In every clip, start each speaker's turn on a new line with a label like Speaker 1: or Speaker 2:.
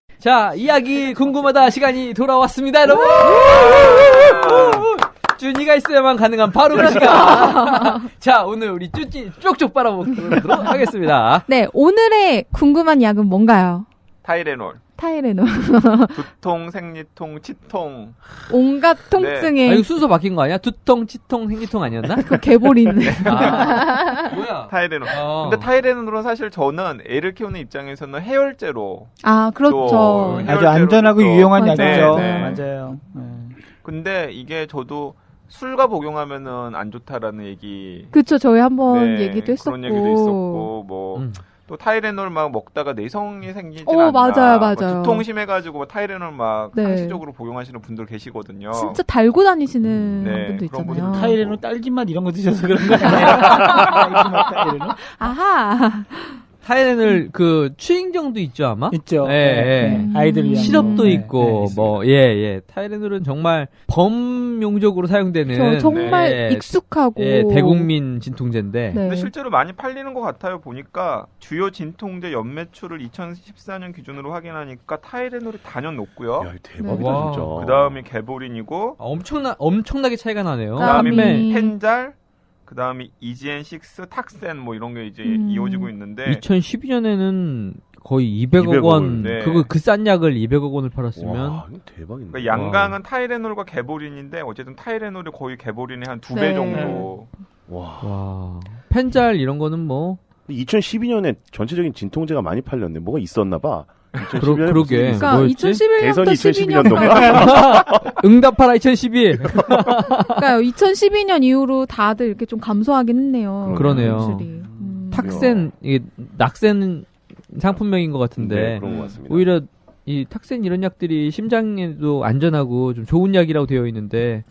Speaker 1: 자, 이야기 궁금하다 시간이 돌아왔습니다, 여러분. 쭈니가 있어야만 가능한 바로 그 시간. 자, 오늘 우리 쭈니 쪽쪽 빨아보도록 하겠습니다.
Speaker 2: 네, 오늘의 궁금한 약은 뭔가요?
Speaker 3: 타이레놀.
Speaker 2: 타이레놀.
Speaker 3: 두통, 생리통, 치통.
Speaker 2: 온갖 통증에.
Speaker 1: 아, 이거 순서 바뀐 거 아니야? 두통, 치통, 생리통 아니었나?
Speaker 2: 그 개보리는.
Speaker 1: 뭐야?
Speaker 3: 타이레놀. 근데 타이레놀은 사실 저는 애를 키우는 입장에서는 해열제로.
Speaker 2: 아, 그렇죠.
Speaker 4: 아주 안전하고 유용한
Speaker 2: 맞아요.
Speaker 4: 약이죠.
Speaker 3: 네.
Speaker 4: 맞아요. 네.
Speaker 3: 근데 이게 저도 술과 복용하면은 안 좋다라는 얘기.
Speaker 2: 그쵸, 저희 한번
Speaker 3: 네,
Speaker 2: 얘기도 했었고.
Speaker 3: 그런 얘기도 있었고, 뭐. 또 타이레놀 막 먹다가 내성이 생기지 않나.
Speaker 2: 맞아요, 맞아요.
Speaker 3: 뭐 두통 심해가지고 뭐 타이레놀 막
Speaker 2: 네.
Speaker 3: 상시적으로 복용하시는 분들 계시거든요.
Speaker 2: 진짜 달고 다니시는
Speaker 3: 네,
Speaker 2: 분도
Speaker 3: 그런
Speaker 2: 있잖아요.
Speaker 3: 분들
Speaker 4: 타이레놀 딸기맛 이런 거 드셔서 그런 거 아니에요? 타이레놀?
Speaker 2: 아하.
Speaker 1: 타이레놀 그 추잉정도 있죠, 아마?
Speaker 4: 있죠.
Speaker 1: 예.
Speaker 4: 아이들 위한
Speaker 1: 시럽도
Speaker 4: 거.
Speaker 1: 있고
Speaker 4: 네,
Speaker 1: 뭐 예. 타이레놀은 정말 범용적으로 사용되는
Speaker 2: 정말
Speaker 1: 네.
Speaker 2: 익숙하고
Speaker 1: 대국민 진통제인데.
Speaker 2: 네.
Speaker 3: 근데 실제로 많이 팔리는 것 같아요. 보니까 주요 진통제 연매출을 2014년 기준으로 확인하니까 타이레놀이 단연 높고요.
Speaker 5: 야, 대박이다
Speaker 1: 와.
Speaker 5: 진짜.
Speaker 3: 그 다음이 개보린이고,
Speaker 1: 엄청나게 차이가 나네요.
Speaker 3: 그 다음이
Speaker 2: 땀이.
Speaker 3: 펜잘, 그 다음이 이지엔6, 탁센 뭐 이런 게 이제 이어지고 있는데
Speaker 1: 2012년에는 거의 200억 원,
Speaker 3: 네.
Speaker 1: 그 싼 약을 200억 원을 팔았으면.
Speaker 5: 와, 이거 대박인데.
Speaker 3: 그러니까 양강은 타이레놀과 개보린인데 어쨌든 타이레놀이 거의 개보린의 한 2배
Speaker 2: 네.
Speaker 3: 정도.
Speaker 1: 와. 펜잘 이런 거는 뭐.
Speaker 5: 2012년에 전체적인 진통제가 많이 팔렸네. 뭐가 있었나 봐.
Speaker 1: 그러게.
Speaker 2: 그러니까
Speaker 1: 뭐였지?
Speaker 2: 2011년부터
Speaker 5: 대선이
Speaker 2: 12년
Speaker 5: 2012년도인가?
Speaker 1: 응답하라 2012.
Speaker 2: 그러니까 2012년 이후로 다들 이렇게 좀 감소하긴 했네요.
Speaker 1: 그러네요.
Speaker 2: 매출이.
Speaker 1: 탁센, 이게 낙센 상품명인 것 같은데.
Speaker 5: 네, 그런 것 같습니다.
Speaker 1: 오히려 이 탁센 이런 약들이 심장에도 안전하고 좀 좋은 약이라고 되어 있는데,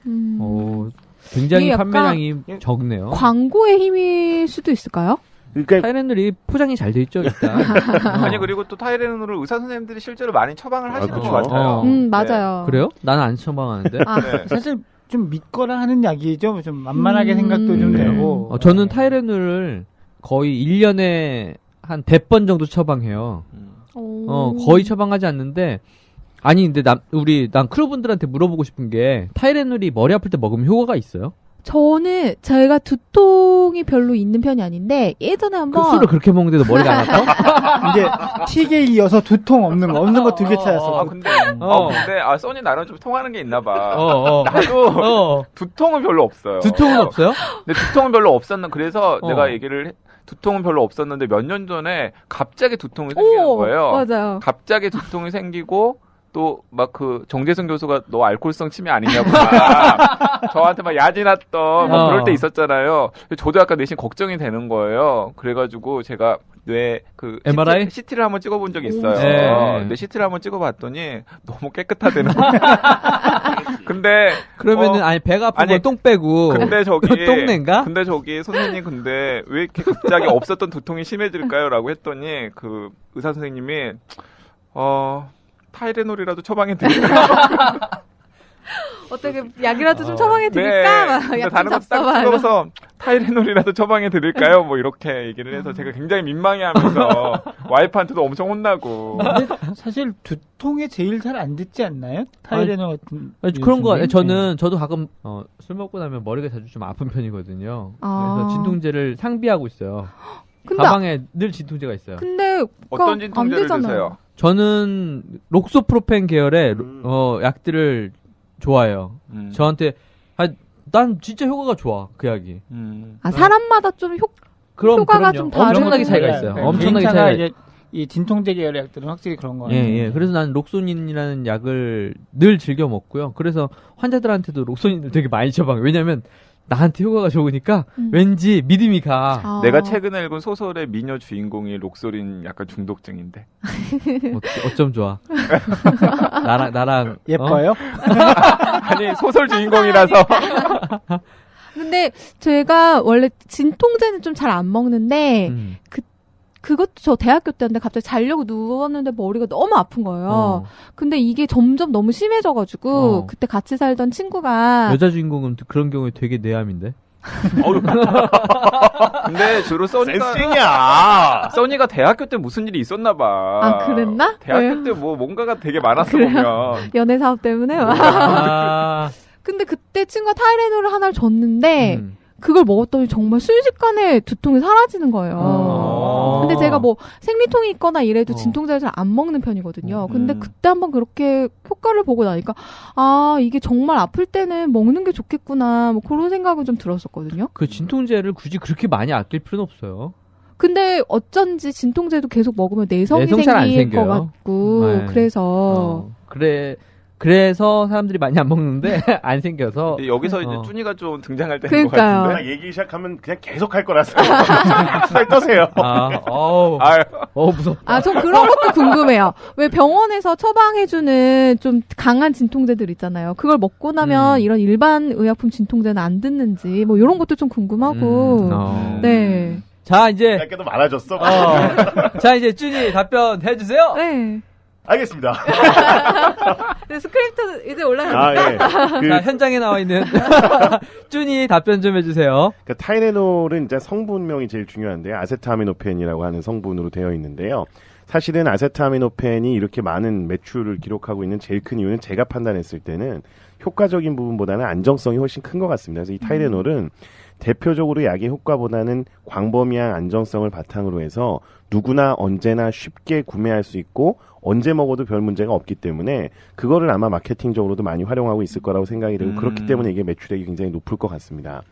Speaker 1: 굉장히
Speaker 2: 이게 약간
Speaker 1: 판매량이 적네요.
Speaker 2: 광고의 힘일 수도 있을까요?
Speaker 5: 그러니까
Speaker 1: 타이레놀이 포장이 잘 돼 있죠, 일단.
Speaker 3: 아니 그리고 또 타이레놀을 의사 선생님들이 실제로 많이 처방을 하시는
Speaker 5: 그쵸.
Speaker 3: 것 같아요.
Speaker 2: 맞아요.
Speaker 1: 그래요? 나는 안 처방하는데.
Speaker 3: 네.
Speaker 4: 사실 좀 믿거나 하는 약이죠. 좀 만만하게 생각도 좀
Speaker 5: 네.
Speaker 4: 되고.
Speaker 1: 저는 타이레놀을 거의 1년에 한 100번 정도 처방해요. 거의 처방하지 않는데, 아니, 근데 난 크루분들한테 물어보고 싶은 게, 타이레놀이 머리 아플 때 먹으면 효과가 있어요?
Speaker 2: 저는 제가 두통이 별로 있는 편이 아닌데 예전에 한번
Speaker 1: 그 술을 그렇게 먹는데도 머리가 안 아파?
Speaker 4: 이제 틱에 이어서 두통 없는 거 2개 찾았어.
Speaker 3: 근데 써니 나랑 좀 통하는 게 있나 봐.
Speaker 1: 어.
Speaker 3: 나도 두통은 별로 없어요.
Speaker 1: 두통은 없어요?
Speaker 3: 근데 두통은 별로 없었는 그래서 내가 얘기를 두통은 별로 없었는데 몇 년 전에 갑자기 두통이 생기는 거예요.
Speaker 2: 맞아요.
Speaker 3: 갑자기 두통이 생기고 또 막 그 정재승 교수가 너 알코올성 치매 아니냐고 막 저한테 막 야진했던 막 그럴 때 있었잖아요. 저도 약간 내심 걱정이 되는 거예요. 그래가지고 제가 뇌
Speaker 1: MRI?
Speaker 3: CT를 한번 찍어본 적이 있어요.
Speaker 1: 네.
Speaker 3: 근데 CT를 한번 찍어봤더니 너무 깨끗하다는 거예요. 근데
Speaker 1: 그러면은 아니 배가 아픈 건 똥 빼고
Speaker 3: 근데 저기
Speaker 1: 똥내인가?
Speaker 3: 근데 저기 선생님 근데 왜 이렇게 갑자기 없었던 두통이 심해질까요?라고 했더니 그 의사 선생님이 타이레놀이라도 처방해 드릴까요?
Speaker 2: 어떻게 약이라도 좀 처방해 드릴까?
Speaker 3: 네. 다른 것도 딱 찍어서 타이레놀이라도 처방해 드릴까요? 뭐 이렇게 얘기를 해서 제가 굉장히 민망해하면서 와이프한테도 엄청 혼나고.
Speaker 4: 근데 사실 두통에 제일 잘 안 듣지 않나요? 타이레놀 같은.
Speaker 1: 그런 거 같아요. 저도 가끔 술 먹고 나면 머리가 자주 좀 아픈 편이거든요. 그래서 진통제를 상비하고 있어요. 가방에 늘 진통제가 있어요.
Speaker 2: 근데
Speaker 3: 어떤 진통제를 드세요?
Speaker 1: 저는 록소프로펜 계열의 약들을 좋아해요. 저한테 난 진짜 효과가 좋아 그 약이.
Speaker 2: 사람마다 좀 효과가 좀 다른
Speaker 1: 엄청나게 차이가 있어요. 엄청나게 차이가.
Speaker 4: 이제 이 진통제 계열의 약들은 확실히 그런 거 같아요.
Speaker 1: 예. 그래서 나는 록소닌이라는 약을 늘 즐겨 먹고요. 그래서 환자들한테도 록소닌을 되게 많이 처방해요. 왜냐면 나한테 효과가 좋으니까 왠지 믿음이 가.
Speaker 3: 내가 최근에 읽은 소설의 미녀 주인공이 록소린 약간 중독증인데.
Speaker 1: 어쩜 좋아. 나랑
Speaker 4: 예뻐요?
Speaker 3: 아니 소설 주인공이라서.
Speaker 2: 근데 제가 원래 진통제는 좀 잘 안 먹는데 그것도 저 대학교 때인데 갑자기 자려고 누웠는데 머리가 너무 아픈 거예요. 근데 이게 점점 너무 심해져가지고 그때 같이 살던 친구가
Speaker 1: 여자 주인공은 그런 경우에 되게 내암인데.
Speaker 3: 근데 주로
Speaker 5: 센스냐?
Speaker 3: 써니가 대학교 때 무슨 일이 있었나 봐.
Speaker 2: 아, 그랬나?
Speaker 3: 대학교
Speaker 2: 왜요?
Speaker 3: 때 뭐 뭔가가 되게 많았어
Speaker 2: 그래요?
Speaker 3: 보면.
Speaker 2: 연애 사업 때문에.
Speaker 1: 아,
Speaker 2: 근데 그때 친구가 타이레놀을 하나를 줬는데 그걸 먹었더니 정말 순식간에 두통이 사라지는 거예요. 근데 제가 뭐 생리통이 있거나 이래도 진통제를 잘 안 먹는 편이거든요. 근데 그때 한번 그렇게 효과를 보고 나니까 아 이게 정말 아플 때는 먹는 게 좋겠구나 뭐 그런 생각은 좀 들었었거든요.
Speaker 1: 그 진통제를 굳이 그렇게 많이 아낄 필요는 없어요.
Speaker 2: 근데 어쩐지 진통제도 계속 먹으면 내성이
Speaker 1: 내성 잘안
Speaker 2: 생길 것
Speaker 1: 생겨요.
Speaker 2: 같고
Speaker 1: 네.
Speaker 2: 그래서
Speaker 1: 그래서 사람들이 많이 안 먹는데 안 생겨서
Speaker 3: 여기서 이제 쭈니가 좀 등장할 때인 것
Speaker 2: 그러니까요.
Speaker 3: 같은데.
Speaker 5: 딱 얘기 시작하면 그냥 계속 할 거라서 살 떠세요.
Speaker 1: 무섭다.
Speaker 2: 아, 전 그런 것도 궁금해요. 왜 병원에서 처방해주는 좀 강한 진통제들 있잖아요. 그걸 먹고 나면 이런 일반 의약품 진통제는 안 듣는지, 뭐, 이런 것도 좀 궁금하고. 네.
Speaker 1: 자, 이제.
Speaker 5: 약간도 많아졌어.
Speaker 1: 자, 이제 쭈니 답변 해주세요.
Speaker 2: 네.
Speaker 5: 알겠습니다.
Speaker 2: 네, 스크립트 이제 올라가요.
Speaker 5: 아, 예.
Speaker 1: 자, 현장에 나와 있는 쭈니 답변 좀 해주세요.
Speaker 5: 그 타이레놀은 이제 성분명이 제일 중요한데요. 아세트아미노펜이라고 하는 성분으로 되어 있는데요. 사실은 아세트아미노펜이 이렇게 많은 매출을 기록하고 있는 제일 큰 이유는 제가 판단했을 때는 효과적인 부분보다는 안정성이 훨씬 큰 것 같습니다. 그래서 이 타이레놀은 대표적으로 약의 효과보다는 광범위한 안정성을 바탕으로 해서 누구나 언제나 쉽게 구매할 수 있고 언제 먹어도 별 문제가 없기 때문에 그거를 아마 마케팅적으로도 많이 활용하고 있을 거라고 생각이 되고 그렇기 때문에 이게 매출액이 굉장히 높을 것 같습니다.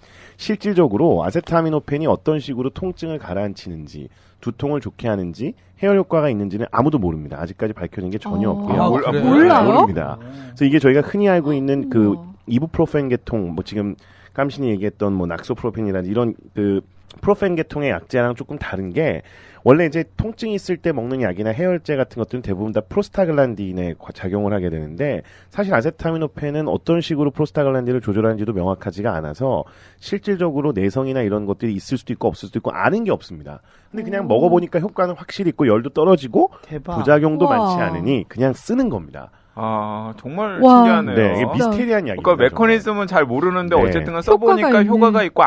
Speaker 5: 실질적으로 아세트아미노펜이 어떤 식으로 통증을 가라앉히는지 두통을 좋게 하는지 해열 효과가 있는지는 아무도 모릅니다. 아직까지 밝혀진 게 전혀 없고요.
Speaker 1: 그래요?
Speaker 2: 몰라요?
Speaker 5: 모릅니다. 그래서 이게 저희가 흔히 알고 있는 그 이부프로펜 계통 뭐 지금 깜신이 얘기했던 뭐 낙소프로펜이라든지 이런 그 프로펜 계통의 약제랑 조금 다른 게 원래 이제 통증이 있을 때 먹는 약이나 해열제 같은 것들은 대부분 다 프로스타글란딘에 작용을 하게 되는데 사실 아세타미노펜은 어떤 식으로 프로스타글란딘을 조절하는지도 명확하지가 않아서 실질적으로 내성이나 이런 것들이 있을 수도 있고 없을 수도 있고 아는 게 없습니다. 근데 그냥 먹어보니까 효과는 확실히 있고 열도 떨어지고
Speaker 4: 대박.
Speaker 5: 부작용도
Speaker 2: 우와.
Speaker 5: 많지 않으니 그냥 쓰는 겁니다.
Speaker 3: 아, 정말
Speaker 2: 와.
Speaker 3: 신기하네요.
Speaker 5: 네, 이게 미스테리한 약입니다.
Speaker 3: 그러니까 메커니즘은 잘 모르는데
Speaker 5: 네.
Speaker 3: 어쨌든 써보니까
Speaker 2: 효과가
Speaker 3: 효과가 있고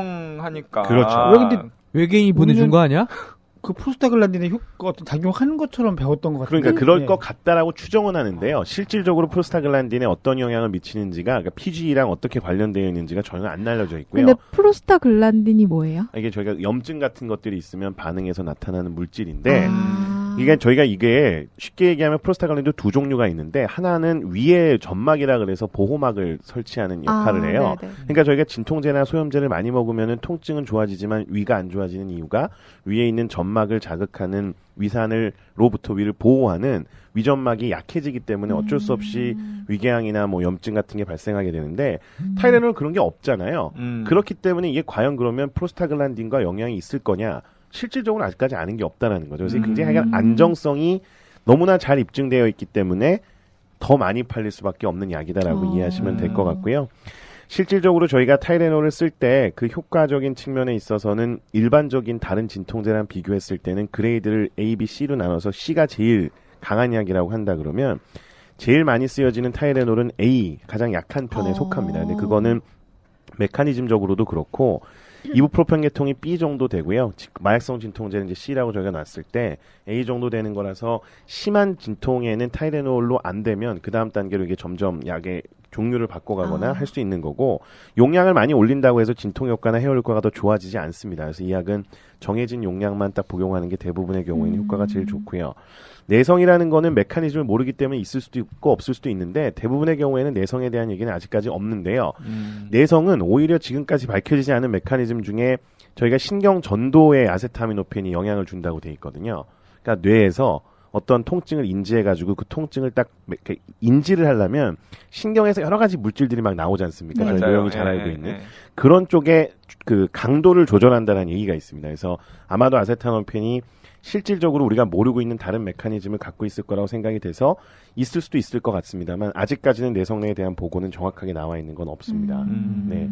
Speaker 3: 안정하니까.
Speaker 5: 그렇죠.
Speaker 4: 왜 근데
Speaker 1: 외계인이 보내준 거 아니야?
Speaker 4: 그 프로스타글란딘의 효과 어떤 작용하는 것처럼 배웠던 것 같은데.
Speaker 5: 그러니까 그럴
Speaker 4: 네.
Speaker 5: 것 같다라고 추정은 하는데요. 실질적으로 프로스타글란딘에 어떤 영향을 미치는지가 그러니까 PGE랑 어떻게 관련되어 있는지가 전혀 안 알려져 있고요.
Speaker 2: 근데 프로스타글란딘이 뭐예요?
Speaker 5: 이게 저희가 염증 같은 것들이 있으면 반응해서 나타나는 물질인데
Speaker 2: 아.
Speaker 5: 이게 저희가 이게 쉽게 얘기하면 프로스타글란딘도 두 종류가 있는데 하나는 위에 점막이라 그래서 보호막을 설치하는 역할을 해요.
Speaker 2: 네네.
Speaker 5: 그러니까 저희가 진통제나 소염제를 많이 먹으면은 통증은 좋아지지만 위가 안 좋아지는 이유가 위에 있는 점막을 자극하는 위산으로부터 위를 보호하는 위점막이 약해지기 때문에 어쩔 수 없이 위궤양이나 뭐 염증 같은 게 발생하게 되는데 타이레놀 그런 게 없잖아요. 그렇기 때문에 이게 과연 그러면 프로스타글란딘과 영향이 있을 거냐? 실질적으로 아직까지 아는 게 없다라는 거죠. 그래서 굉장히 약간 안정성이 너무나 잘 입증되어 있기 때문에 더 많이 팔릴 수밖에 없는 약이다라고 이해하시면 될 것 같고요. 실질적으로 저희가 타이레놀을 쓸 때 그 효과적인 측면에 있어서는 일반적인 다른 진통제랑 비교했을 때는 그레이드를 A, B, C로 나눠서 C가 제일 강한 약이라고 한다 그러면 제일 많이 쓰여지는 타이레놀은 A, 가장 약한 편에 속합니다. 근데 그거는 메커니즘적으로도 그렇고 이부프로펜 계통이 B 정도 되고요. 마약성 진통제는 이제 C라고 저희가 놨을 때 A 정도 되는 거라서 심한 진통에는 타이레놀로 안 되면 그 다음 단계로 이게 점점 약의 종류를 바꿔가거나 할 수 있는 거고 용량을 많이 올린다고 해서 진통 효과나 해열 효과가 더 좋아지지 않습니다. 그래서 이 약은 정해진 용량만 딱 복용하는 게 대부분의 경우에는 효과가 제일 좋고요. 내성이라는 거는 메커니즘을 모르기 때문에 있을 수도 있고 없을 수도 있는데 대부분의 경우에는 내성에 대한 얘기는 아직까지 없는데요. 내성은 오히려 지금까지 밝혀지지 않은 메커니즘 중에 저희가 신경 전도에 아세타미노펜이 영향을 준다고 돼 있거든요. 그러니까 뇌에서 어떤 통증을 인지해가지고 그 통증을 딱 인지를 하려면 신경에서 여러 가지 물질들이 막 나오지 않습니까? 저희 노영이 잘 알고 있는 그런 쪽에 그 강도를 조절한다는 얘기가 있습니다. 그래서 아마도 아세타미노펜이 실질적으로 우리가 모르고 있는 다른 메커니즘을 갖고 있을 거라고 생각이 돼서 있을 수도 있을 것 같습니다만 아직까지는 내성내에 대한 보고는 정확하게 나와 있는 건 없습니다. 네.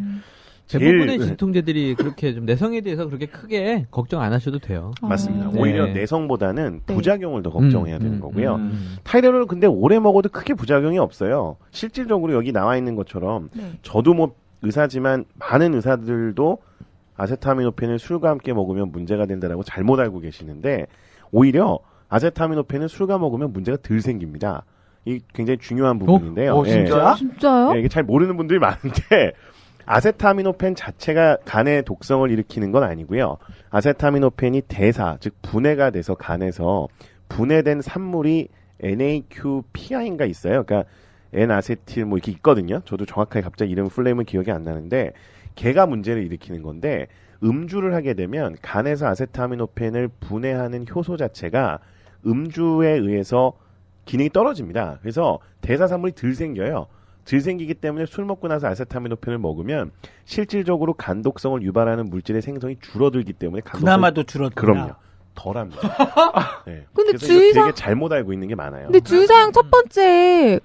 Speaker 1: 대부분의 진통제들이 그렇게 좀 내성에 대해서 그렇게 크게 걱정 안 하셔도 돼요.
Speaker 5: 맞습니다.
Speaker 1: 네.
Speaker 5: 오히려 내성보다는
Speaker 2: 네.
Speaker 5: 부작용을 더 걱정해야 되는 거고요. 타이레놀은 근데 오래 먹어도 크게 부작용이 없어요. 실질적으로 여기 나와 있는 것처럼
Speaker 2: 네.
Speaker 5: 저도 뭐 의사지만 많은 의사들도 아세타미노펜을 술과 함께 먹으면 문제가 된다라고 잘못 알고 계시는데 오히려 아세타미노펜은 술과 먹으면 문제가 덜 생깁니다. 이 굉장히 중요한 부분인데요.
Speaker 3: 진짜?
Speaker 2: 진짜요?
Speaker 5: 이게 잘 모르는 분들이 많은데 아세타미노펜 자체가 간의 독성을 일으키는 건 아니고요. 아세타미노펜이 대사, 즉 분해가 돼서 간에서 분해된 산물이 NAQPI인가 있어요. 그러니까 N아세틸 뭐 이렇게 있거든요. 저도 정확하게 갑자기 이름 플레임은 기억이 안 나는데 걔가 문제를 일으키는 건데 음주를 하게 되면 간에서 아세타미노펜을 분해하는 효소 자체가 음주에 의해서 기능이 떨어집니다. 그래서 대사산물이 덜 생겨요. 덜 생기기 때문에 술 먹고 나서 아세타미노펜을 먹으면 실질적으로 간독성을 유발하는 물질의 생성이 줄어들기 때문에
Speaker 4: 그나마도 줄어들다.
Speaker 5: 그럼요. 덜합니다. 네.
Speaker 2: 근데
Speaker 5: 그래서 이거 되게 잘못 알고 있는 게 많아요.
Speaker 2: 근데 주의사항 첫 번째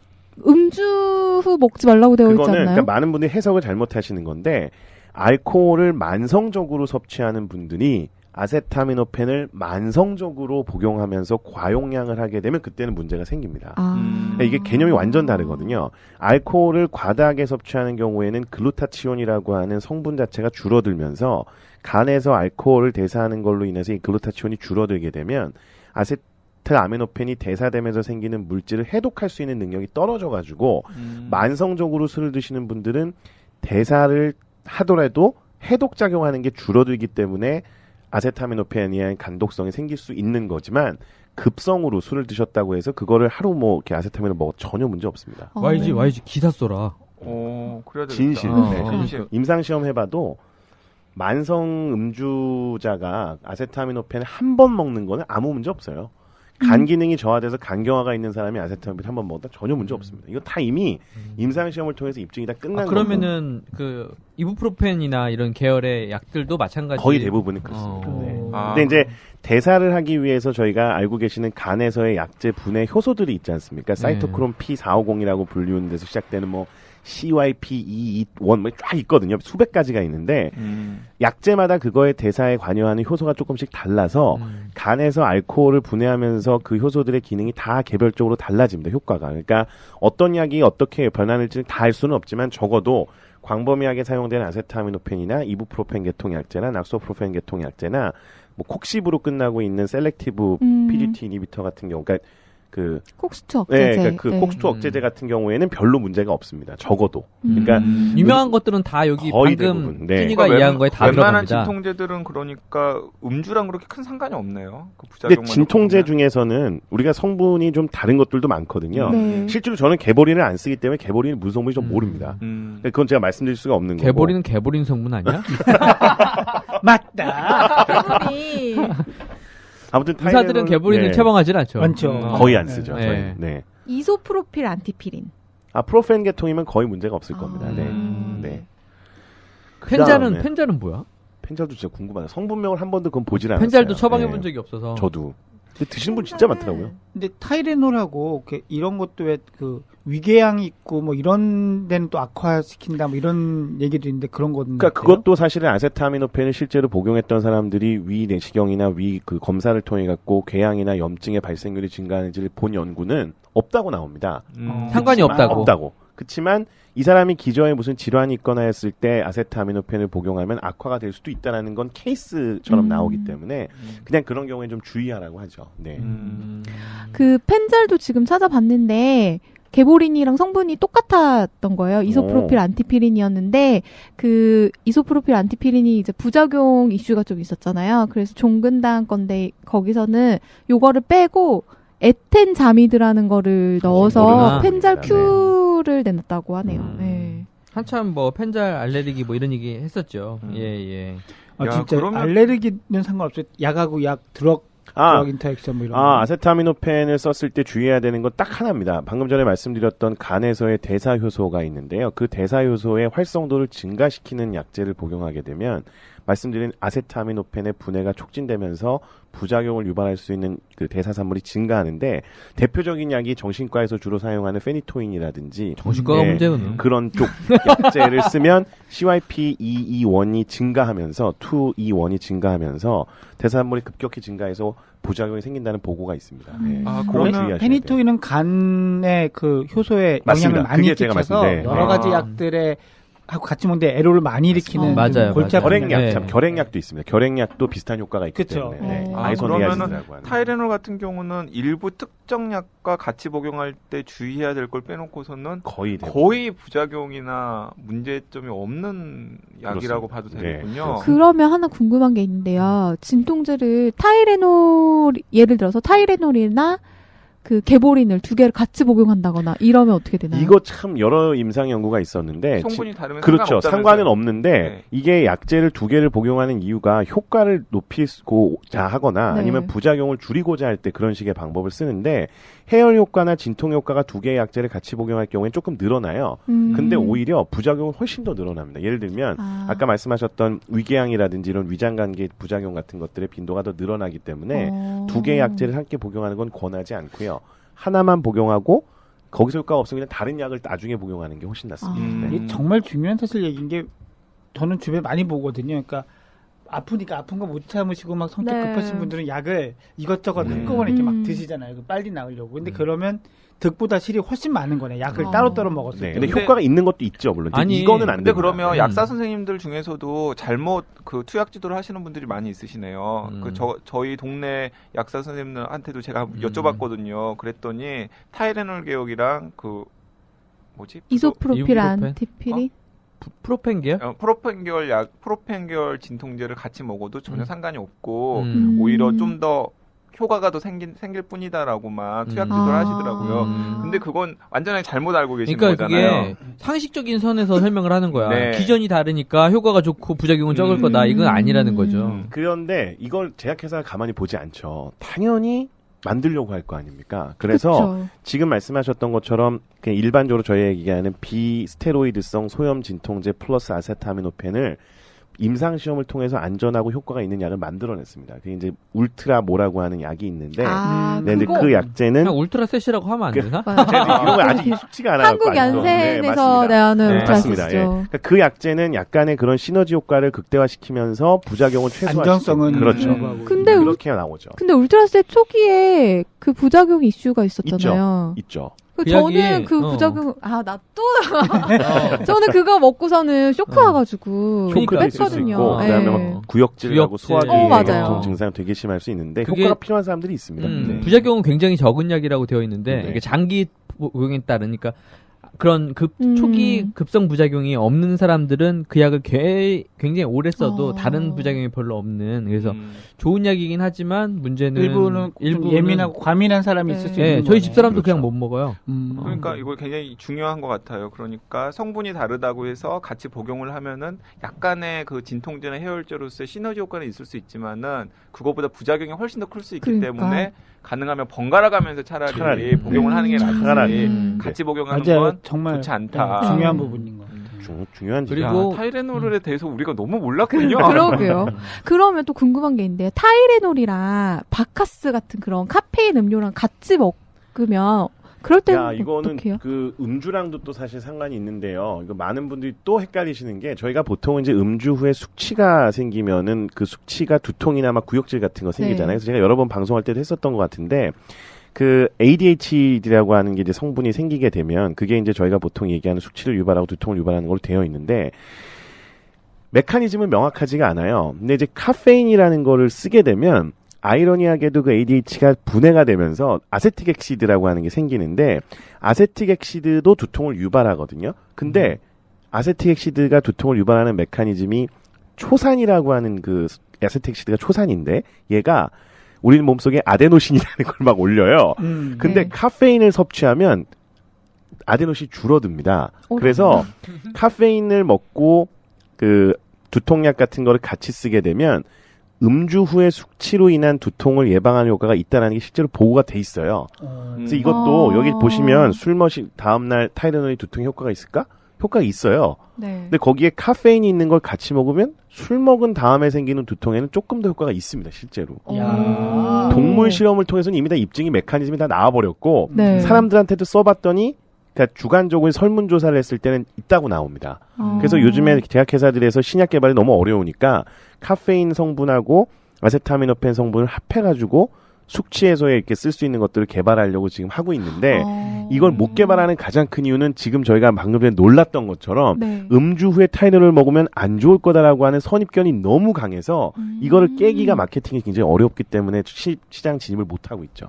Speaker 2: 음주 후 먹지 말라고 되어 있지
Speaker 5: 그거는
Speaker 2: 않나요?
Speaker 5: 그러니까 많은 분들이 해석을 잘못하시는 건데 알코올을 만성적으로 섭취하는 분들이 아세타미노펜을 만성적으로 복용하면서 과용량을 하게 되면 그때는 문제가 생깁니다. 그러니까 이게 개념이 완전 다르거든요. 알코올을 과다하게 섭취하는 경우에는 글루타치온이라고 하는 성분 자체가 줄어들면서 간에서 알코올을 대사하는 걸로 인해서 이 글루타치온이 줄어들게 되면 아세트아미노펜이 대사되면서 생기는 물질을 해독할 수 있는 능력이 떨어져가지고 만성적으로 술을 드시는 분들은 대사를 하더라도 해독 작용하는 게 줄어들기 때문에 아세타미노펜에 의한 간독성이 생길 수 있는 거지만 급성으로 술을 드셨다고 해서 그거를 하루 뭐 이렇게 아세타민을 먹어 전혀 문제 없습니다.
Speaker 1: YG 기사 써라.
Speaker 3: 그래야 되겠다.
Speaker 5: 진실. 네.
Speaker 3: 진실.
Speaker 5: 임상 시험 해봐도 만성 음주자가 아세타미노펜을 한 번 먹는 거는 아무 문제 없어요. 간 기능이 저하돼서 간경화가 있는 사람이 아세타미노펜 한 번 먹었다 전혀 문제 없습니다. 이거 다 이미 임상 시험을 통해서 입증이 다 끝난 거고.
Speaker 1: 그러면은 그 이부프로펜이나 이런 계열의 약들도 마찬가지.
Speaker 5: 거의 대부분은 그렇습니다. 네.
Speaker 3: 아.
Speaker 5: 근데 이제 대사를 하기 위해서 저희가 알고 계시는 간에서의 약제 분해 효소들이 있지 않습니까? 사이토크롬 P450이라고 불리우는 데서 시작되는 뭐 CYP221 뭐 쫙 있거든요. 수백 가지가 있는데 약제마다 그거의 대사에 관여하는 효소가 조금씩 달라서 간에서 알코올을 분해하면서 그 효소들의 기능이 다 개별적으로 달라집니다. 효과가. 그러니까 어떤 약이 어떻게 변하는지는 다 알 수는 없지만 적어도 광범위하게 사용되는 아세타미노펜이나 이부프로펜 계통 약제나 낙소프로펜 계통 약제나 뭐 콕시브로 끝나고 있는 셀렉티브 PGT 이니비터 같은 경우, 그러니까 그
Speaker 2: 콕스투 억제제.
Speaker 5: 네, 그러니까 그 콕스투 억제제 같은 경우에는 별로 문제가 없습니다. 적어도. 그러니까
Speaker 1: 유명한 것들은 다 여기
Speaker 5: 거의
Speaker 1: 방금
Speaker 5: 대부분, 네.
Speaker 1: 찐이가 이해한 거에 다
Speaker 3: 웬만한
Speaker 1: 들어갑니다.
Speaker 3: 진통제들은 그러니까 음주랑 그렇게 큰 상관이 없네요. 그
Speaker 5: 근데
Speaker 3: 부작용만
Speaker 5: 진통제
Speaker 3: 놓고 보면.
Speaker 5: 중에서는 우리가 성분이 좀 다른 것들도 많거든요.
Speaker 2: 네.
Speaker 5: 실제로 저는 개보린을 안 쓰기 때문에 개보린이 무슨 성분인지 좀 모릅니다. 근데 그건 제가 말씀드릴 수가 없는 거고.
Speaker 1: 개보리는 개보린 성분 아니야?
Speaker 4: 맞다.
Speaker 2: 개보리.
Speaker 5: 아무튼
Speaker 1: 의사들은 개보린을
Speaker 5: 네.
Speaker 1: 처방하진 않죠.
Speaker 4: 많죠.
Speaker 5: 거의 안 쓰죠.
Speaker 1: 네.
Speaker 5: 저희는. 네.
Speaker 2: 이소프로필 안티피린.
Speaker 5: 프로펜 계통이면 거의 문제가 없을 겁니다. 네. 네. 그다음에
Speaker 1: 펜자는 뭐야?
Speaker 5: 펜잘도 진짜 궁금하다. 성분명을 한 번도 그건 보질 않았어요.
Speaker 1: 펜잘도 처방해
Speaker 5: 네.
Speaker 1: 본 적이 없어서.
Speaker 5: 저도. 근데 드시는 분 진짜 많더라고요.
Speaker 4: 근데 타이레놀하고 이런 것도 왜 그 위궤양이 있고 뭐 이런 데는 또 악화시킨다 뭐 이런 얘기도 있는데 그런 거는
Speaker 5: 그러니까 그것도 사실은 아세타미노펜을 실제로 복용했던 사람들이 위 내시경이나 위 그 검사를 통해 갖고 궤양이나 염증의 발생률이 증가하는지를 본 연구는 없다고 나옵니다.
Speaker 1: 상관이 없다고.
Speaker 5: 없다고. 그렇지만 이 사람이 기저에 무슨 질환이 있거나 했을 때 아세타미노펜을 복용하면 악화가 될 수도 있다는 건 케이스처럼 나오기 때문에 그냥 그런 경우에 좀 주의하라고 하죠. 네.
Speaker 2: 그 펜잘도 지금 찾아봤는데 개보린이랑 성분이 똑같았던 거예요. 이소프로필 안티피린이었는데 그 이소프로필 안티피린이 이제 부작용 이슈가 좀 있었잖아요. 그래서 종근당 건데 거기서는 요거를 빼고 에텐자미드라는 거를 넣어서
Speaker 1: 모르나?
Speaker 2: 펜잘 큐를 내놨다고 하네요. 네.
Speaker 1: 한참 뭐 펜잘 알레르기 뭐 이런 얘기 했었죠. 예.
Speaker 4: 아,
Speaker 3: 야,
Speaker 4: 진짜
Speaker 3: 그러면-
Speaker 4: 알레르기는 상관없어요. 약하고 약 드럭 인터액션 뭐 이런 거.
Speaker 5: 아세타미노펜을 썼을 때 주의해야 되는 건 딱 하나입니다. 방금 전에 말씀드렸던 간에서의 대사 효소가 있는데요. 그 대사 효소의 활성도를 증가시키는 약제를 복용하게 되면 말씀드린 아세타미노펜의 분해가 촉진되면서 부작용을 유발할 수 있는 그 대사산물이 증가하는데 대표적인 약이 정신과에서 주로 사용하는 페니토인이라든지
Speaker 1: 정신과가 문제는
Speaker 5: 그런 쪽 약제를 쓰면 CYP221이 증가하면서 221이 증가하면서 대사산물이 급격히 증가해서 부작용이 생긴다는 보고가 있습니다. 네.
Speaker 3: 아,
Speaker 5: 그건
Speaker 3: 그러면
Speaker 5: 주의하셔야 돼요.
Speaker 4: 페니토인은 간의 그 효소에
Speaker 5: 맞습니다.
Speaker 4: 영향을 많이
Speaker 5: 그게 제가
Speaker 4: 끼쳐서
Speaker 5: 말씀- 네.
Speaker 4: 여러 가지 약들의 하고 같이 먹는데 애로를 많이 일으키는
Speaker 1: 맞아요,
Speaker 4: 골치 아픈
Speaker 5: 결핵약,
Speaker 1: 네.
Speaker 5: 참 결핵약도 있습니다. 결핵약도 비슷한 효과가 있기
Speaker 4: 그쵸.
Speaker 5: 때문에 네.
Speaker 3: 그러면은
Speaker 5: 아이소니아진이라고 하는.
Speaker 3: 타이레놀 같은 경우는 일부 특정 약과 같이 복용할 때 주의해야 될 걸 빼놓고서는 거의 부작용이나 문제점이 없는 약이라고 봐도 되겠군요.
Speaker 2: 그러면 하나 궁금한 게 있는데요. 진통제를 타이레놀 예를 들어서 타이레놀이나 그 개보린을 두 개를 같이 복용한다거나 이러면 어떻게 되나요?
Speaker 5: 이거 참 여러 임상 연구가 있었는데
Speaker 3: 성분이 다르면
Speaker 5: 그렇죠. 상관은 없는데
Speaker 3: 네.
Speaker 5: 이게 약제를 두 개를 복용하는 이유가 효과를 높이고자 하거나
Speaker 2: 네.
Speaker 5: 아니면 부작용을 줄이고자 할 때 그런 식의 방법을 쓰는데 해열 효과나 진통 효과가 두 개의 약제를 같이 복용할 경우엔 조금 늘어나요. 근데 오히려 부작용은 훨씬 더 늘어납니다. 예를 들면 아까 말씀하셨던 위궤양이라든지 이런 위장관계 부작용 같은 것들의 빈도가 더 늘어나기 때문에 두 개의 약제를 함께 복용하는 건 권하지 않고요. 하나만 복용하고 거기서 효과가 없으면 그냥 다른 약을 나중에 복용하는 게 훨씬 낫습니다. 네.
Speaker 4: 이게 정말 중요한 사실 얘기인 게 저는 주변에 많이 보거든요. 그러니까 아프니까 아픈 거 못 참으시고 막 성격
Speaker 2: 네.
Speaker 4: 급하신 분들은 약을 이것저것 한꺼번에 이렇게 막 드시잖아요. 빨리 나으려고. 근데 그러면 득보다 실이 훨씬 많은 거네. 약을 따로따로 먹었을 때.
Speaker 5: 근데 효과가 있는 것도 있죠, 물론.
Speaker 1: 아니,
Speaker 5: 이거는 안
Speaker 3: 근데
Speaker 5: 됩니다.
Speaker 3: 그러면 약사 선생님들 중에서도 잘못 그 투약 지도를 하시는 분들이 많이 있으시네요. 저희 동네 약사 선생님들한테도 제가 여쭤봤거든요. 그랬더니 타이레놀 개혁이랑 그 뭐지?
Speaker 2: 이소프로필
Speaker 1: 이부프로펜?
Speaker 2: 안티피린?
Speaker 1: 프로펜기요?
Speaker 3: 프로펜결 진통제를 같이 먹어도 전혀 상관이 없고
Speaker 1: 음.
Speaker 3: 오히려 좀 더 효과가 더 생길 뿐이다라고만 투약 지도를 하시더라고요. 근데 그건 완전히 잘못 알고 계신
Speaker 1: 그러니까
Speaker 3: 거잖아요.
Speaker 1: 그게 상식적인 선에서 설명을 하는 거야.
Speaker 3: 네.
Speaker 1: 기전이 다르니까 효과가 좋고 부작용은 적을 거다. 이건 아니라는 거죠.
Speaker 5: 그런데 이걸 제약회사가 가만히 보지 않죠. 당연히 만들려고 할 거 아닙니까? 그래서
Speaker 2: 그쵸.
Speaker 5: 지금 말씀하셨던 것처럼 그냥 일반적으로 저희가 얘기하는 비스테로이드성 소염 진통제 플러스 아세타미노펜을 임상 시험을 통해서 안전하고 효과가 있는 약을 만들어냈습니다. 그게 이제 울트라 모라고 하는 약이 있는데, 네, 근데 그 약제는
Speaker 1: 그냥 울트라셋이라고 하면 안 되나?
Speaker 5: 이런 거 아직 숙지가 안 하고
Speaker 2: 한국 연센에서
Speaker 5: 네,
Speaker 2: 내하는
Speaker 5: 맞습니다.
Speaker 2: 울트라시죠.
Speaker 5: 예. 그러니까 그 약제는 약간의 그런 시너지 효과를 극대화시키면서 부작용을 최소화시키고
Speaker 4: 안정성은
Speaker 5: 그렇죠.
Speaker 2: 근데
Speaker 5: 그렇게 나오죠.
Speaker 2: 근데 울트라셋 초기에 그 부작용 이슈가 있었잖아요.
Speaker 5: 있죠.
Speaker 2: 그
Speaker 1: 그
Speaker 2: 저는
Speaker 1: 약이,
Speaker 2: 그 부작용 나 또 저는 그거 먹고서는 쇼크 와가지고
Speaker 5: 쇼크도 있을 수
Speaker 2: 뺐거든요.
Speaker 5: 있고
Speaker 2: 예.
Speaker 5: 그다음에 막 구역질하고
Speaker 1: 구역질.
Speaker 5: 소화기
Speaker 2: 맞아요.
Speaker 5: 보통 증상 되게 심할 수 있는데
Speaker 1: 그게-
Speaker 5: 효과가 필요한 사람들이 있습니다. 네.
Speaker 1: 부작용은 굉장히 적은 약이라고 되어 있는데
Speaker 5: 네.
Speaker 1: 이게 장기 복용에 따르니까 그런
Speaker 2: 음.
Speaker 1: 초기 급성 부작용이 없는 사람들은 그 약을 굉장히 오래 써도
Speaker 2: 어.
Speaker 1: 다른 부작용이 별로 없는 그래서 좋은 약이긴 하지만 문제는
Speaker 4: 일부는 좀 예민하고 과민한 사람이
Speaker 2: 네.
Speaker 4: 있을 수
Speaker 1: 예,
Speaker 4: 있는
Speaker 1: 저희
Speaker 4: 거네.
Speaker 1: 집사람도
Speaker 5: 그렇죠.
Speaker 1: 그냥 못 먹어요.
Speaker 3: 그러니까 이거 굉장히 중요한 것 같아요. 그러니까 성분이 다르다고 해서 같이 복용을 하면은 약간의 그 진통제나 해열제로서의 시너지 효과는 있을 수 있지만은 그거보다 부작용이 훨씬 더 클 수 있기
Speaker 2: 그러니까.
Speaker 3: 때문에 가능하면 번갈아 가면서 차라리 복용을 하는 게 낫지.
Speaker 5: 차라리.
Speaker 3: 같이 복용하는
Speaker 4: 맞아요.
Speaker 3: 건
Speaker 4: 정말
Speaker 3: 좋지 않다.
Speaker 4: 네, 중요한 부분인 것 같아요.
Speaker 5: 중요한
Speaker 1: 그리고
Speaker 5: 지점.
Speaker 3: 야, 타이레놀에 대해서 우리가 너무 몰랐군요.
Speaker 2: 그러게요. 그러면 또 궁금한 게 있는데요. 타이레놀이랑 바카스 같은 그런 카페인 음료랑 같이 먹으면 그럴 때는
Speaker 5: 야, 이거는
Speaker 2: 어떡해요?
Speaker 5: 그 음주랑도 또 사실 상관이 있는데요. 이거 많은 분들이 또 헷갈리시는 게 저희가 보통 이제 음주 후에 숙취가 생기면은 그 숙취가 두통이나 막 구역질 같은 거 생기잖아요.
Speaker 2: 네.
Speaker 5: 그래서 제가 여러 번 방송할 때도 했었던 것 같은데 그 ADHD라고 하는 게 이제 성분이 생기게 되면 그게 이제 저희가 보통 얘기하는 숙취를 유발하고 두통을 유발하는 걸로 되어 있는데 메커니즘은 명확하지가 않아요. 근데 이제 카페인이라는 거를 쓰게 되면 아이러니하게도 그 ADHD가 분해가 되면서 아세틱엑시드라고 하는 게 생기는데 아세틱엑시드도 두통을 유발하거든요. 근데 아세틱엑시드가 두통을 유발하는 메커니즘이 초산이라고 하는 그 아세틱엑시드가 초산인데 얘가 우리 몸속에 아데노신이라는 걸 막 올려요. 근데
Speaker 2: 네.
Speaker 5: 카페인을 섭취하면 아데노신이 줄어듭니다. 그래서 카페인을 먹고 그 두통약 같은 거를 같이 쓰게 되면 음주 후에 숙취로 인한 두통을 예방하는 효과가 있다는 게 실제로 보고가 돼 있어요. 그래서 이것도 여기 보시면 술 마신 다음날 타이레놀이 두통 효과가 있을까? 효과가 있어요.
Speaker 2: 네.
Speaker 5: 근데 거기에 카페인이 있는 걸 같이 먹으면 술 먹은 다음에 생기는 두통에는 조금 더 효과가 있습니다, 실제로.
Speaker 4: 야.
Speaker 5: 동물 실험을 통해서는 이미 다 입증이 메커니즘이 다 나와버렸고
Speaker 2: 네.
Speaker 5: 사람들한테도 써봤더니 그러니까 주관적으로 설문조사를 했을 때는 있다고 나옵니다. 그래서 요즘에 제약회사들에서 신약 개발이 너무 어려우니까 카페인 성분하고 아세타미노펜 성분을 합해가지고 숙취 해소에 이렇게 쓸 수 있는 것들을 개발하려고 지금 하고 있는데 이걸 못 개발하는 가장 큰 이유는 지금 저희가 방금 전에 놀랐던 것처럼
Speaker 2: 네.
Speaker 5: 음주 후에 타이레놀을 먹으면 안 좋을 거다라고 하는 선입견이 너무 강해서 이거를 깨기가 마케팅이 굉장히 어렵기 때문에 시장 진입을 못 하고 있죠.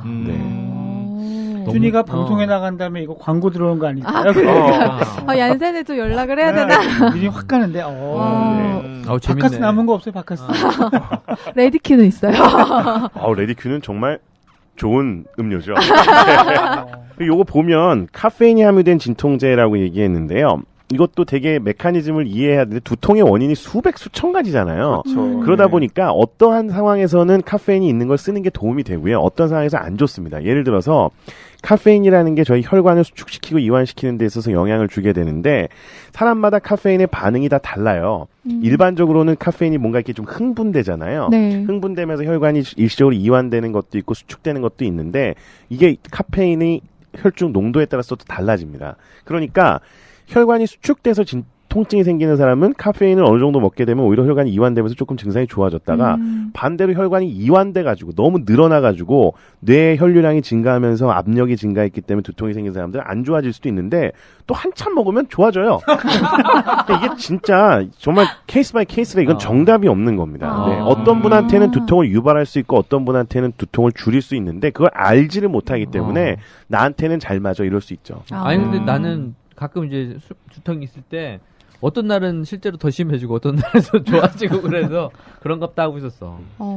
Speaker 5: 네.
Speaker 4: 준이가 방송에 나간 다음에 이거 광고 들어오는 거 아닐까요?
Speaker 2: 얀센에 좀 연락을 해야 되나?
Speaker 4: 미리 확 가는데.
Speaker 1: 재밌네.
Speaker 4: 바카스 남은 거 없어요, 바카스?
Speaker 2: 레디큐는 있어요.
Speaker 5: 레디큐는 정말 좋은 음료죠. 요거 보면 카페인이 함유된 진통제라고 얘기했는데요. 이것도 되게 메커니즘을 이해해야 되는데 두통의 원인이 수백 수천 가지잖아요.
Speaker 3: 그렇죠.
Speaker 5: 그러다 보니까 어떠한 상황에서는 카페인이 있는 걸 쓰는 게 도움이 되고요. 어떤 상황에서 안 좋습니다. 예를 들어서 카페인이라는 게 저희 혈관을 수축시키고 이완시키는 데 있어서 영향을 주게 되는데 사람마다 카페인의 반응이 다 달라요. 일반적으로는 카페인이 뭔가 이렇게 좀 흥분되잖아요.
Speaker 2: 네.
Speaker 5: 흥분되면서 혈관이 일시적으로 이완되는 것도 있고 수축되는 것도 있는데 이게 카페인이 혈중 농도에 따라서 또 달라집니다. 그러니까 혈관이 수축돼서 통증이 생기는 사람은 카페인을 어느 정도 먹게 되면 오히려 혈관이 이완되면서 조금 증상이 좋아졌다가 반대로 혈관이 이완돼가지고 너무 늘어나가지고 뇌의 혈류량이 증가하면서 압력이 증가했기 때문에 두통이 생긴 사람들은 안 좋아질 수도 있는데 또 한참 먹으면 좋아져요. 이게 진짜 정말 케이스 바이 케이스라 이건 정답이 없는 겁니다. 네, 어떤 분한테는 두통을 유발할 수 있고 어떤 분한테는 두통을 줄일 수 있는데 그걸 알지를 못하기 때문에 나한테는 잘 맞아 이럴 수 있죠.
Speaker 1: 아니 근데 나는 가끔 이제 두통이 있을 때 어떤 날은 실제로 더 심해지고 어떤 날은 더 좋아지고 그래서 그런갑다 하고 있었어.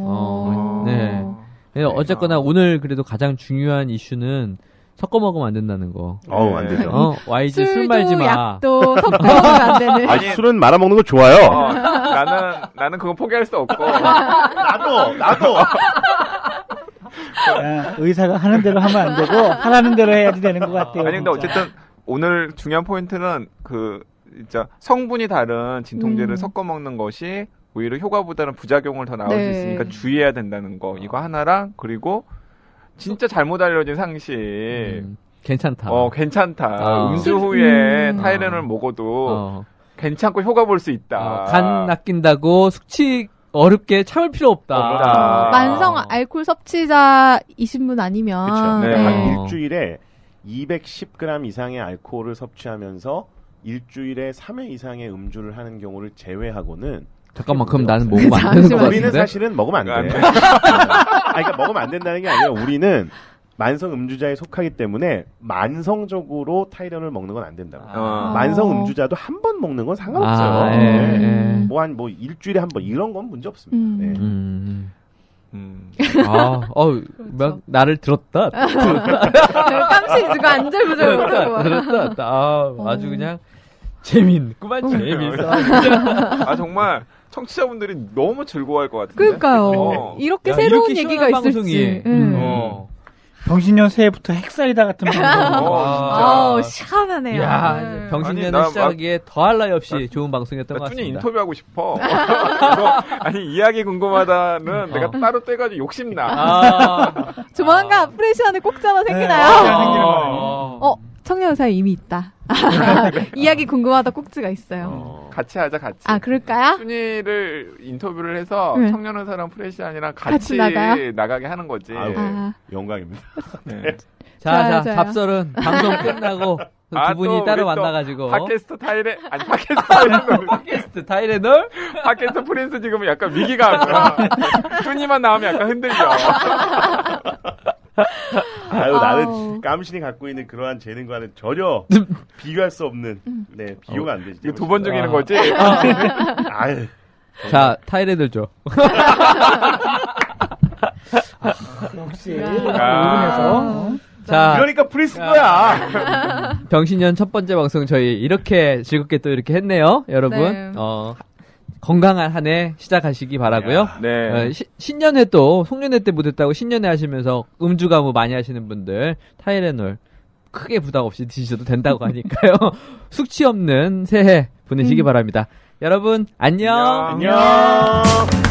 Speaker 1: 네. 어쨌거나 오늘 그래도 가장 중요한 이슈는 섞어 먹으면 안 된다는 거.
Speaker 5: 안 되죠.
Speaker 1: YG 술 말지 마.
Speaker 2: 약도 섞어 먹으면 안 되는.
Speaker 5: 아니 술은 말아 먹는 거 좋아요.
Speaker 3: 나는 그거 포기할 수 없고.
Speaker 5: 나도.
Speaker 4: 의사가 하는 대로 하면 안 되고 하라는 대로 해야지 되는 것 같아요.
Speaker 3: 아니 근데
Speaker 4: 진짜.
Speaker 3: 어쨌든 오늘 중요한 포인트는 진짜 성분이 다른 진통제를 섞어 먹는 것이 오히려 효과보다는 부작용을 더 나올 수 있으니까 주의해야 된다는 거 이거 하나랑 그리고 진짜 잘못 알려진 상식
Speaker 1: 괜찮다.
Speaker 3: 괜찮다. 음주 후에 타이레놀 먹어도 괜찮고 효과 볼 수 있다.
Speaker 1: 간 낚인다고 숙취 어렵게 참을 필요 없다.
Speaker 2: 만성 알코올 섭취자이신 분 아니면
Speaker 5: 그렇죠.
Speaker 3: 네.
Speaker 5: 한 일주일에 210g 이상의 알코올을 섭취하면서 일주일에 3회 이상의 음주를 하는 경우를 제외하고는
Speaker 1: 잠깐만 그럼 나는 먹으면 안 되는 거
Speaker 5: 우리는
Speaker 1: 같은데?
Speaker 5: 사실은 먹으면 안 돼. 그러니까 먹으면 안 된다는 게 아니라 우리는 만성 음주자에 속하기 때문에 만성적으로 타이레놀을 먹는 건 안 된다고. 만성 음주자도 한 번 먹는 건 상관없어요. 뭐 일주일에 한 번 이런 건 문제 없습니다.
Speaker 1: 막 나를 들었다.
Speaker 2: 깜찍이지고 안절부절 못하고.
Speaker 1: 들었다. 아주 그냥 재밌구만 재밌어.
Speaker 3: 정말 청취자분들이 너무 즐거워할 것 같은데.
Speaker 2: 그러니까요. 이렇게 새로운 얘기가 있을지.
Speaker 4: 병신년 새해부터 핵사이다 같은 방송.
Speaker 2: 시원하네요.
Speaker 1: 야, 병신년을 시작하기에 더할 나위 없이 좋은 방송이었던 것 같습니다.
Speaker 3: 준이 인터뷰하고 싶어. 이야기 궁금하다는 내가 따로 떼가지고 욕심나.
Speaker 2: 조만간 프레시안에 꼭지하나 생기나요? 청년사에 이미 있다. 이야기 궁금하다 꼭지가 있어요.
Speaker 3: 같이 하자, 같이.
Speaker 2: 그럴까요?
Speaker 3: 준이를 인터뷰를 해서 청년의사랑 프레시안이랑 같이 나가게 하는 거지.
Speaker 5: 영광입니다.
Speaker 3: 네.
Speaker 1: 자, 잡설은 방송 끝나고 두 분이 따로 만나가지고.
Speaker 3: 팟캐스트 타이레놀? 팟캐스트 프린스 지금 약간 위기가 준이만 나오면 약간 흔들려.
Speaker 5: 나는 깜신이 갖고 있는 그러한 재능과는 전혀 비교할 수 없는 비교가 안 되지.
Speaker 3: 이거 두 번 죽이는 거지?
Speaker 1: 자, 타이레놀 줘.
Speaker 4: 역시 오븐에서
Speaker 1: 자,
Speaker 5: 그러니까 프린스 거야.
Speaker 1: 병신년 첫 번째 방송 저희 이렇게 즐겁게 또 이렇게 했네요, 여러분.
Speaker 2: 네.
Speaker 1: 건강한 한 해 시작하시기 바라고요.
Speaker 3: 네.
Speaker 1: 신년회 또 송년회 때 못했다고 신년회 하시면서 음주 가무 많이 하시는 분들 타이레놀 크게 부담 없이 드셔도 된다고 하니까요. 숙취 없는 새해 보내시기 바랍니다. 여러분 안녕.
Speaker 5: 안녕.